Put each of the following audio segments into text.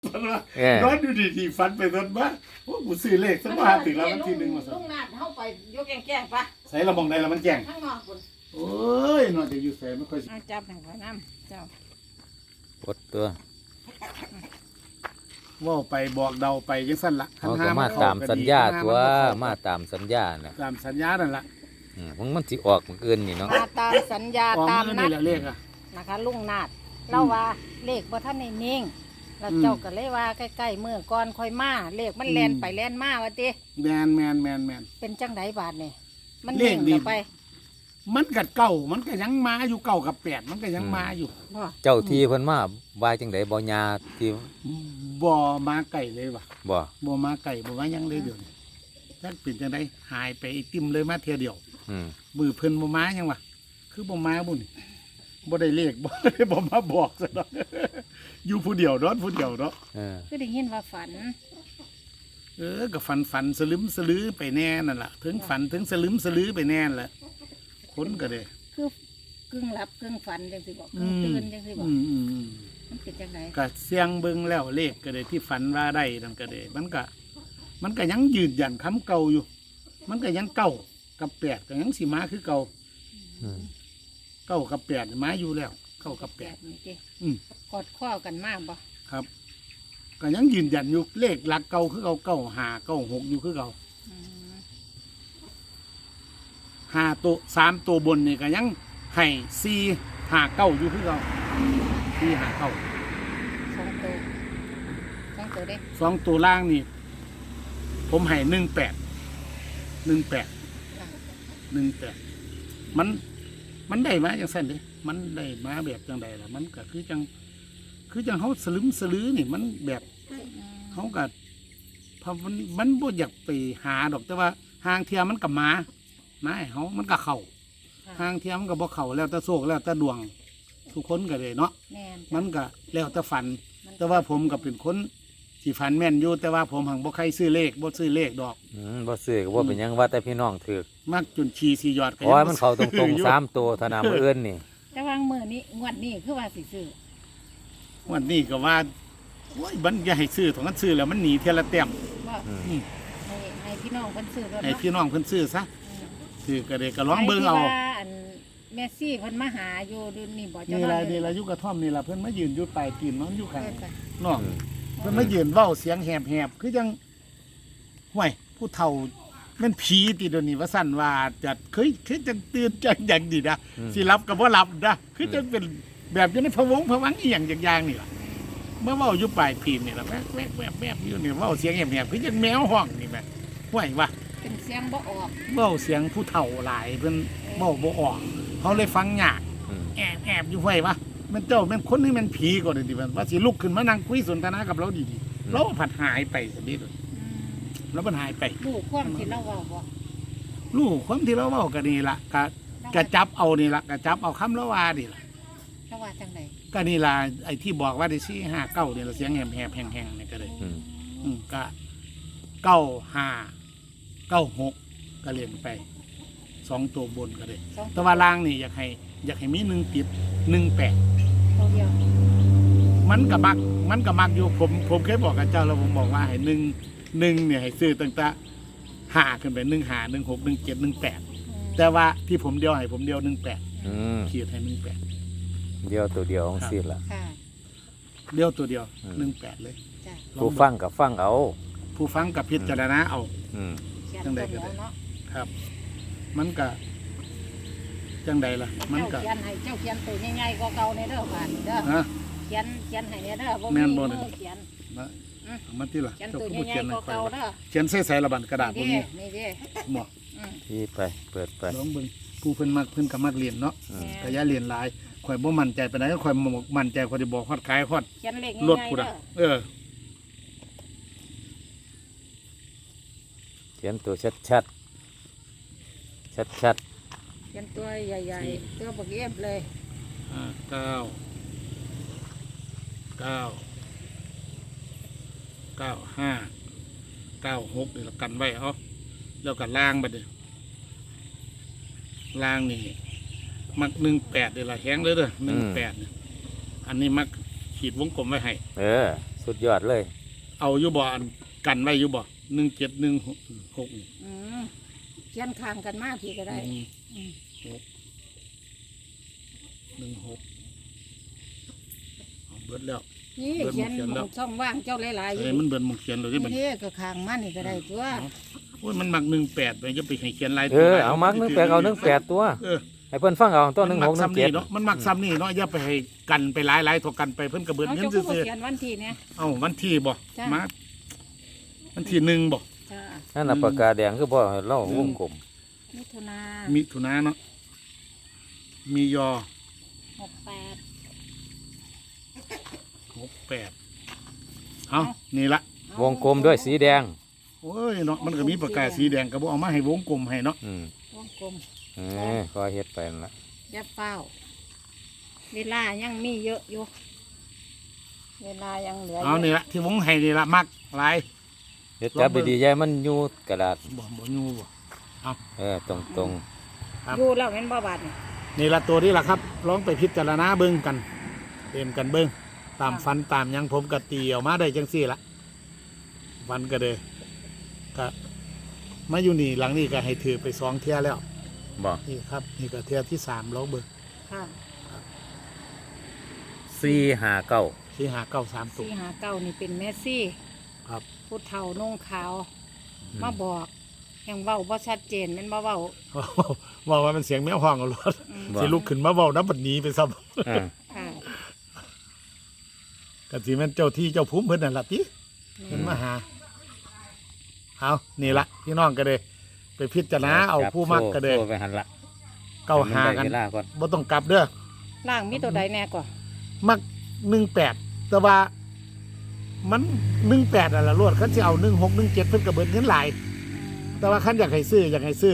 นอนอยู่ดีๆฝันไปนอนมาโอ้กูซื้อเลขสักมาถึงแล้ววันที่หนึ่งมาลุงนาดเข้าไปยกแก่ๆปะใส่ระมองใดละมันแจ้งข้างนอกคุณโอ้ยนอนจะอยู่ใส่ไม่ค่อยเอาจับให้ข่อยน้ำเจ้ากดตัวว่าไปบอกเดาไปยังสั้นละเขาก็มาตามสัญญาตัวมาตามสัญญาน่ะตามสัญญานั่นละมันสิออกมื้ออื่นนี่เนาะมาตามสัญญาออกตามมือนันี่ดแหละเลขอ่ะนะคะลุงนาดเล่าว่าเลขบ่ท่านในนิ่งแล้วเจ้าก็เลยว่าใกล้ๆมื้อก่อนค่อยมาเลขมันแล่นไปแล่นมาว่าติแมนเป็นจังไดบาดนี่มันเลนิ่ขงดีเข้าไปมันกัดเก่ามันก็ยังมาอยู่เก่ากับแปดมันก็ยังมาอยู่บ่เจ้าที่เพิ่นมาว่าจังไดบ่ยาที่บ่มาไก่เลยว่ะบ่บ่มาไก่บ่มาหยังเลยเดี๋ยวนี้ถ้าเป็นจังไดหายไปไอติมเลยมาเทียเดียวอืมมือเพิ่นบ่มาหยังวะคือบ่มาบุ่นบ่ได้เลข บ่ได้บ่มาบอกซะดอก อยู่ผู้เดียวนอนผู้เดียวเนาะคือได้ยินว่าฝันก็ฝันสลึมสลือไปแน่นั่นล่ะถึงฝันถึงสลึมสลือไปแน่นั่นแหละคนก็ได้คือกึ่งหลับกึ่งฝันจังสิบอกกึ่งตื่นจังสิบอกมันเป็นจังไดก็เสียงเบิ่งแล้วเลขก็ได้ที่ฝันว่าได้นั่นก็ได้มันก็ยังยืนยันคำเก่าอยู่ มันก็ยังเก้ากับแปดก็ยังสิมาคือเก่าอืมเก้ากับแปดมาอยู่แล้วเก้ากับแปดนี่ติอืมกอดข้อกันมากบ่ครับก็ยังยืนยันอยู่เลขหลักเก่าคือเก่าเก้าห้าเก้าหกอยู่คือเก่าอืมห้าตัวสามตัวบนนี่ก็ยังให้สี่ห้าเก้าอยู่คือเก่าสี่ห้าเก้าสองตัวเด้สองตัวล่างนี่ ผมให้18มันได้มาจังสั้นเด้มันได้มาแบบจังใดล่ะมันก็คือจังเขาสลึมสลือนี่มันแบบเขาก็พอมันบ่อยากไปหาดอกแต่ว่าหางเทียมันกับมาให้เขามันก็เข่าหางเทียมันก็บ่เข่าแล้วแต่โศกแล้วแต่ดวงทุกคนก็เลยเนาะแม่นมันก็แล้วแต่ฝัน แต่ว่าผมก็เป็นคนที่ฝันแม่นอยู่แต่ว่าผมหังบ่ใครซื้อเลขบ่ซื้อเลขดอกบ่ซื้อก็บ่เป็นหยังว่าแต่พี่น้องถือมักจนชีสียอดก็โอ้ยมันเข้าตบ่รซื้งอยู่ๆ3ตัวเท่านั้นมื้ออื่นนี่แต่วางมือนี้งวดนี้คือว่าสิซื้อวันนี้ก็ว่าโอ้ยมันอย่าให้ซื้อของมันซื้อแล้วมันหนีเทยละแต้มว่าอืมอืมให้พี่น้องเพิ่นซื้อรถให้เนาะพี่น้องเพิ่นซื้อซะซื้อก็ได้ก็ลองเบิ่งเอาไที่ว่าอันแมสซี่เพิ่นมาหาอยู่ดูนี่บ่เจ้านี่น้ล่ะอยนี่ล่ะอยู่กระท่อมนี่ล่ะเพิ่นมายืนอยู่ปลายตีนมันอยู่ข้างเพิ่นไปเนาะอืมเพิ่นมายืนเว้าเสียงแหบๆคือจังห่วยผู้เฒ่าแม่นผีติเดี๋ยวนี้ว่าสั่นว่าจะเคยจังตื่นจังอย่างดีนะ สิรับกับว่ารับนะคือจะเป็นแบบอยู่ในพะวงพะวังเอียงอย่างนี่ล่ะเมื่อเว่าอยู่ปลายพีมนี่ล่ะแวบอยู่นี่เว่าเสียงแหบๆคือจังแมวห้องนี่แม่ห่วยว่าเป็นเสียงบ่ออกเว้าเสียงผู้เฒ่าหลายเพิ่นเว้าบ่ออกเขาเลยฟังยากอืมแอบอยู่ห่วยว่ามันเจ้าแม่นคนนี่แม่นผีก่อนดิมันว่าสิลุกขึ้นมานั่งคุยสนทนากับเราดีๆเราผัดหายไปสิดิแล้วมันหายไปลูกความที่เราเว้าบ่ลูกคนที่เราเว้ากันนี่ล่ะกะจับเอานี่ล่ะกะจับเอาคำละว่านี่ล่ะเขาว่าจังได๋ก็นี่ล่ะไอ้ที่บอกว่าได้สี่ห้าเก้าเนี่ยเสียงแหบแห้งๆนี่ก็เลยอืมก็เก้าห้าเก้าหกก็เรียนไปสองตัวบนก็เลยสองแต่ว่าล่างนี่อยากให้มี1 ติด 1 8 ตัวเดียวมันก็มักอยู่ผมเคยบอกกับเจ้าแล้วผมบอกว่าให้1เนี่ยให้ซื้อตั้งแต่ห้าขึ้นไป1 5 1 6 1 7 1 8แต่ว่าที่ผมเดียวให้ผมเดียว18 อืมขีดให้18 เดียวตัวเดียวของสิล่ะค่ะเดียวตัวเดียวอืม 18เลยจ้ะผู้ฟังก็ฟังเอาผู้ฟังกับพิจารณาเอาอืมเขียนจังใดตัวก็เดียวได้เนาะครับ มันก็จังใดล่ะ มันก็เจ้าเขียนตัวใหญ่ๆกว่าเก่าในเด้อบาดนี้เด้อฮะเขียนให้เนี่ยเด้อบ่แม่มีนบ่มืเนี่ยอเขียนมาเอามาที่ล่ะเขียนเจ้าตัวผู้ใหญ่เขียนๆให้กว่าค่อยเก่าล่ะเด้อเขียนใส่ระบันกระดาษพวกนี่นี้นี่เด้หมออืมที่ไปเปิดไปลองเบิ่งผู้เพิ่นมักเพิ่นก็มักเรียนเนาะอืมก็อย่าเรียนหลายข่อยบ่มั่นใจปานใดก็ข่อยมั่นใจข่อยสิบอกฮอดขายฮอดเขียนเลขรถง่ายพุ่นๆเด้น่ะอเขียนตัวชัดชัดเขียนตัวใหญ่ๆตัวบักเอฟเลย 9 5 9 6นี่ละกันไว้เอาแล้วก็ล่างบัดนี้ล่างนี่มัก18นี่ล่ะแฮงเลยเด้อ18นี่อันนี้มักขีดวงกลมไว้ให้เออสุดยอดเลยเอาอยู่บ่อันกันไว้อยู่บ่1716 อืมเขียนข้างกันมาพี่ก็ได้อืม 16เอาเบิดแล้วนี่เบิดเขียนเขียนแล้วช่องว่างเจ้าหลายๆอยู่เอ้ยมันเบิดหมองเขียนเลยที่มันนี่ก็ข้างมานี่ก็ได้ตัวโอ้ยมันมัก18ไปจะไปให้เขียนลายเออเอามัก18เอา18ตัวเออให้เพิ่นฟังเอาตัวมันมักซ้ำนี่ 1617 เนาะมันมักซ้ำนี่เนาะอย่าไปให้กันไปหลายๆทอกันไปเพิ่นก็เบิดเอาเงินเจ้าผู้ซื่อเขียนวันที่เนี่ยๆเอ้าวันที่บ่จ้ะมาวันที่1บ่จ้านั่นน่ะปากกาแดงคือบ่ให้เล่าวงกลมมิถุนามิถุนาเนาะมียอ 68 68เอ้านี่ละวงกลมด้วยสีแดงโอ้ยเนาะมันก็มีปากกาสีแดงก็บ่เอามาให้วงกลมให้เนาะวงกลมก็เฮ็ดไปนั่นล่ะอย่าเป้าเวลายังมีเยอะอยู่เวลายังเหลือเอานี่ละที่วงให้นี่ละมักหลายเฮ็ดจับดีๆอย่าให้มันอยู่กระดาษบ่ยูบ่ตรงครับอยู่แล้วเป็นบ่บาดนี่นี่ละตัวนี้ละครับลองไปพิจารณาเบิ่งกันเต็มกันเบิ่งตามฟันตามหยังผมก็ตีออกมาได้จังซี่ละฟันก็เลยก็มาอยู่นี่หลังนี้ก็ให้ถือไป2เที่ยแล้วๆบ่นี่ครับนี่ก็เที่ยที่3ลองเบิ่งค่ะ 459 ที่593ตัว 459นี่เป็นเมสซี่ครับผู้เฒ่านุ่งขาว มาบอกยังเว้าบ่ชัดเจนแม่นบ่เว้าว่าว่ามันเสียงแมวห้องเอารถอืมบ่สิลุกขึ้นมาเว้าน้ำบัดนี้ไปซ้ำอ่าค่ะก็สิแม่นเจ้าที่เจ้าภูมิเพิ่นนั่นล่ะติเพิ่นมาหาเอานี่ละพี่น้องก็เลยไปพิจารณาเอาผู้มักก็เลยโซ่ไปหันละเก้าหากันให้มัได้เวลาก่อนบ่ต้องกลับเด้อล่างมีตัวใดแน่กว่ามัก18แต่ว่ามัน18นั่นล่ะรวดคันสิเอา16 17เพิ่นก็เบิดเงินหลายแต่ว่าคันอยากให้ซื้อ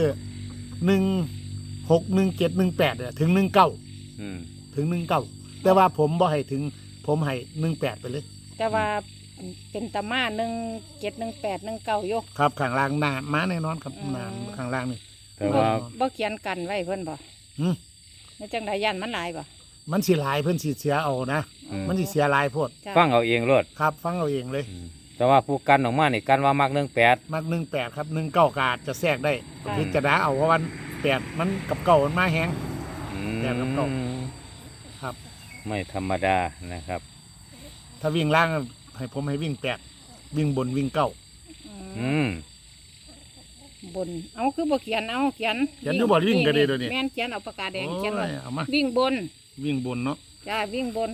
16 17 18เนี่ยถึง19 อืมถึง19แต่ว่าผมบ่ให้ถึงผมให้18ไปเลยแต่ว่าเป็นตะมา171819อยู่ครับข้างล่างหน้าม้าแน่นอนครับอืมหน้าข้างล่างนี่แต่ว่าบ่เขียนกันไว้เพิ่นบ่หึในจังไดยันมันหลายบ่มันสิหลายเพิ่นสิเสียเอานะ มันสิเสียหลายโพดจ้ะฟังเอาเองโลดครับ ฟังเอาเองเลยแต่ว่าผู้กันออกมานี่กันว่ามัก18 มัก18ครับ19กาดจะแทรกได้พิจารณาเอาเพราะวัน8มันกับเก่ามันมาแฮง แปดกับเก้า ครับไม่ธรรมดานะครับถ้าวิ่งล่างให้ผมให้วิ่ง8วิ่งบนวิ่ง9 อืมบนเอาคือบ่เขียนเอาเขียนเขียนอยู่บ่วิ่งก็ได้เดี๋ยวนี้แม่นเขียนเอาปากกาแดงโอ้เขียนไว้ยเอามาวิ่งบนวิ่งบนเนาะจ้าวิ่งบน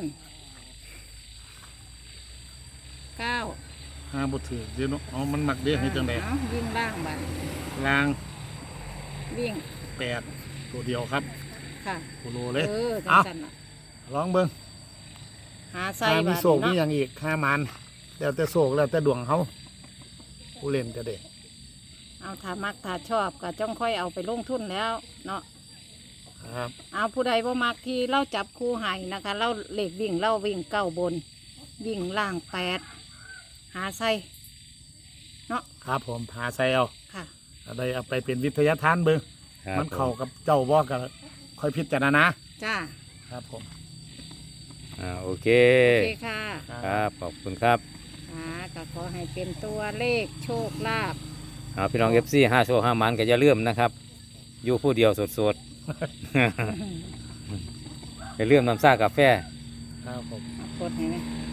9 หาบ่ถือเดี๋ยวเนาะเอามันมักเด้ให้จังได๋เอาวิ่งล่างบัดล่างวิ่ง 8ตัวเดียวครับค่ะโคโลเลยจังเอาซั่นน่ะลองเบิ่งหาใส่ถ้ามีบาดโศกมีเนาะอย่างอีก5มันแล้วแต่โศกแล้วแต่ดวงเขาผู้เล่นก็ได้เอาถ้ามักถ้าชอบก็จ้องค่อยเอาไปลงทุนแล้วเนาะครับเอาผู้ใดบ่มักที่เราจับคู่ให้นะคะ เราเลขวิ่งเราวิ่ง9บน วิ่งล่าง8หาใส่ครับผมหาใส่เอาค่ะอะไรเอาไปเป็นวิทยาทานเบิ่งครับมันเข้ากับเจ้าบ่ก็ค่อยพิจารณาจ้าครับผมโอเคโอเคค่ะครับขอบคุณครับก็ขอให้เป็นตัวเลขโชคลาภพี่น้อง FC 5โชค5มันก็อย่าลืมนะครับ อยู่ผู้เดียวสดๆ อย่าลืมน้ำซ่ากาแฟครับผมกดให้ไหม